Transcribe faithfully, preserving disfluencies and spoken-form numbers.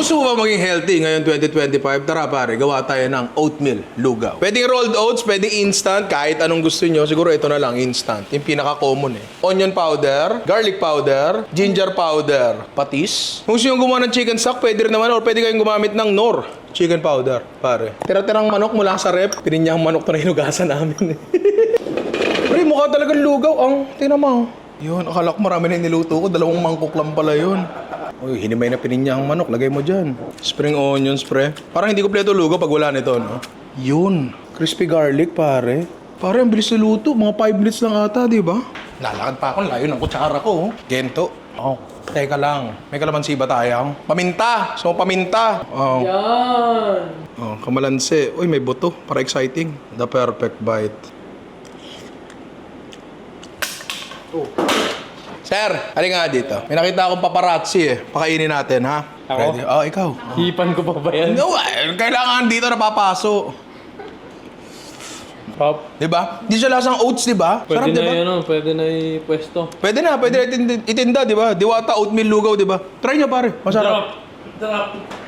Gusto mo ba maging healthy ngayon twenty twenty-five? Tara pare, gawa tayo ng oatmeal lugaw. Pwedeng rolled oats, pwedeng instant, kahit anong gusto nyo. Siguro ito na lang, instant. Yung pinaka-common eh. Onion powder, garlic powder, ginger powder, patis. Kung gusto nyo gumawa ng chicken stock, pwede rin naman, or pwede kayong gumamit ng Knorr chicken powder, pare. Tira-tirang manok mula sa rep. Pininyang manok to na hinugasan namin eh. Pre, mukha talagang lugaw ang. Tingnan mo. Yun, akala ko marami na niluto ko. Dalawang mangkok lang pala yun. Uy, hinimay na pininyang manok. Lagay mo dyan. Spring onions, pre. Parang hindi kompleto lugaw pag wala nito, no? Yun. Crispy garlic, pare. Pare, ang bilis niluto. Mga five minutes lang ata, di ba? Lalakad pa ako. Layo ng kutsara ko. Oh. Gento. Oh. Teka lang. May kalamansi ba tayo? Paminta. So, paminta. Oh. Yan! Oh, kamalansi. Uy, may buto. Para exciting. The perfect bite. Oh. Sir, halika nga dito. May nakita akong paparazzi eh. Pakainin natin, ha? Ako? Ready? Oh, ikaw. Hipan ko pa ba yan? No, eh, kailangan dito napapaso. Pop. Diba? Di siya lasang oats, diba? Pwede Sarap, na diba? yun, ano? Pwede na i-pwesto. Pwede na, pwede na itinda, itinda, diba? Diwata oatmeal lugaw, diba? Try nyo, pare. Masarap. Sarap!